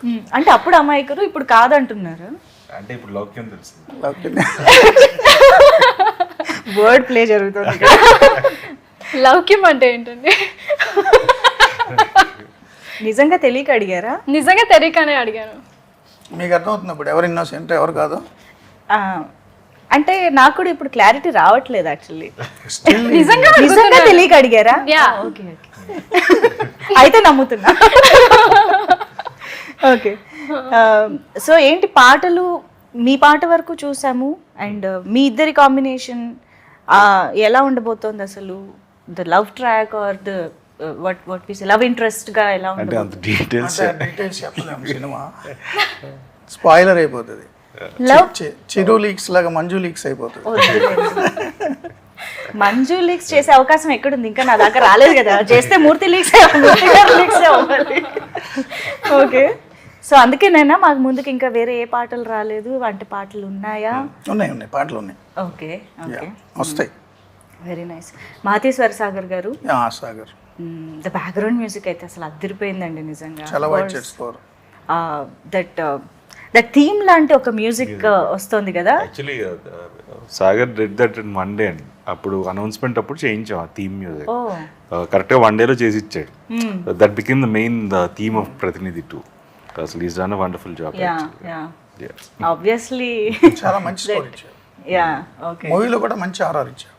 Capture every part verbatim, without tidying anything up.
అంటే అప్పుడు అమాయకురు ఇప్పుడు కాదంటున్నారు. అంటే ఇప్పుడు లౌక్యం తెలుసు. వర్డ్ ప్లే జరుగుతుంది. లౌక్యం అంటే ఏంటండి? నిజంగా తెలియక అడిగారా? నిజంగా తెలియకనే అడిగాను. మీకు అర్థమవుతుంది ఇప్పుడు ఎవరు ఇన్నోసెంట్ ఎవరు కాదు? అంటే నాకు కూడా ఇప్పుడు క్లారిటీ రావట్లేదు యాక్చువల్లీ. నిజంగా నిజంగా తెలియక అడిగారా? ఓకే ఓకే, అయితే నమ్ముతున్నా. ఓకే, సో ఏంటి పాటలు, మీ పాట వరకు చూసాము అండ్ మీ ఇద్దరి కాంబినేషన్ ఎలా ఉండబోతోంది అసలు? The love track or the what what we say love interest గా ఎలా అంటే అంత ఉండబోతుంది? డీటెయిల్స్ డీటెయిల్స్ చెప్పలేము, సినిమా స్పాయిలర్ అయిపోతుంది. లవ్ చి- చిరు లీక్స్ లాగా మంజు లీక్స్ అయిపోతుంది. మంజు లీక్స్ చేసే అవకాశం ఎక్కడుంది? ఇంకా నా దాకా రాలేదు కదా. చేస్తే మూర్తి లీక్స్ లీక్స్ అవ్వాలి. ఓకే, సో అందుకేనైనా మాకు ముందుకు ఇంకా వేరే ఏ పాటలు రాలేదు, వంటి పాటలు ఉన్నాయా? ఉన్నాయి ఉన్నాయి పాటలు ఉన్నాయి. ఓకే ఓకే, వస్తాయి. Very nice. మాతేశ్వర సాగర్ గారు, yeah, Sagar the background music అయితే అసలు అదిరిపోయిందండి నిజంగా. చాలా white shirts for that that theme లాంటి ఒక మ్యూజిక్ వస్తుంది కదా. Actually Sagar did that in one day అండి. అప్పుడు అనౌన్స్మెంట్ అప్పుడు చేయించాం ఆ థీమ్ మ్యూజిక్. ఓ కరెక్ట్గా వన్ డేలో చేసి ఇచ్చాడు. That become the main the theme of Pratinidhi too. అసలు is done a wonderful job. Yeah yeah obviously. చాలా మంచి స్కోర్ ఇచ్చారు. Yeah okay. మూవీలో కూడా మంచి ఆర్ఆర్ ఇచ్చారు.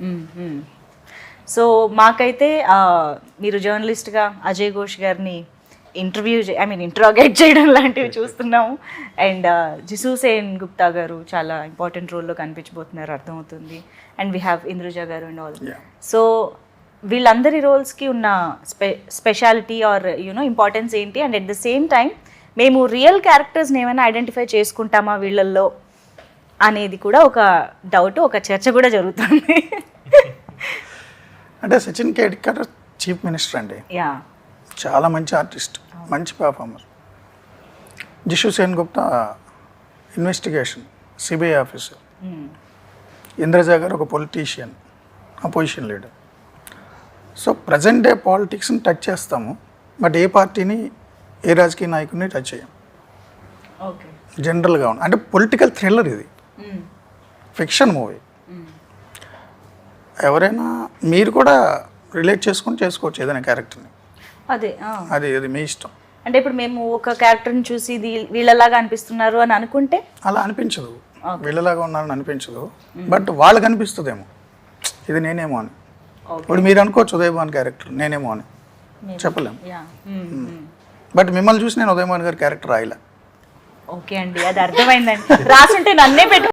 సో మాకైతే ఆ, మీరు జర్నలిస్ట్గా అజయ్ ఘోష్ గారిని ఇంటర్వ్యూ ఐ మీన్ ఇంట్రాగేట్ చేయడం లాంటివి చూస్తున్నాము. అండ్ జిసు సేన్ గుప్తా గారు చాలా ఇంపార్టెంట్ రోల్లో కనిపించబోతున్నారు అర్థమవుతుంది. అండ్ వీ హ్యావ్ ఇంద్రుజ గారు అండ్ ఆల్. Yeah. సో వీళ్ళందరి రోల్స్కి ఉన్న స్పె స్పెషాలిటీ ఆర్ యూనో ఇంపార్టెన్స్ ఏంటి? And at the same time మేము రియల్ క్యారెక్టర్స్ని ఏమైనా ఐడెంటిఫై చేసుకుంటామా వీళ్ళల్లో అనేది కూడా ఒక డౌట్, ఒక చర్చ కూడా జరుగుతుంది. అంటే సచిన్ కేడ్కర్ చీఫ్ మినిస్టర్ అండి, యా చాలా మంచి ఆర్టిస్ట్, మంచి performer. Jisshu Sengupta investigation CBI officer. Indraja గారు ఒక politician, opposition leader. So present day పాలిటిక్స్ని టచ్ చేస్తాము, బట్ ఏ పార్టీని ఏ రాజకీయ నాయకుడిని టచ్ చేయం. ఓకే జనరల్గా ఉంది. అంటే పొలిటికల్ థ్రిల్లర్ ఇది, ఫిక్షన్ మూవీ. ఎవరైనా మీరు కూడా రిలేట్ చేసుకొని చేసుకోవచ్చు ఏదైనా క్యారెక్టర్ని. అదే ఆ. అది అది మీ ఇష్టం. అంటే ఇప్పుడు మేము ఒక క్యారెక్టర్ని చూసి ఇది వీళ్ళలాగా అనిపిస్తున్నారు అని అనుకుంటే అలా అనిపించదు, వీళ్ళలాగా ఉన్నారని అనిపించదు, బట్ వాళ్ళకి అనిపిస్తుందేమో ఇది నేనేమో అని. ఇప్పుడు మీరు అనుకోవచ్చు ఉదయభాన్ క్యారెక్టర్ నేనేమో అని, చెప్పలేము. యా బట్ మిమ్మల్ని చూసి నేను ఉదయభాన్ గారి క్యారెక్టర్ రాయలే. ఓకే అండి, అది అర్థమైందండి. రాసుంటే నన్నే పెట్టు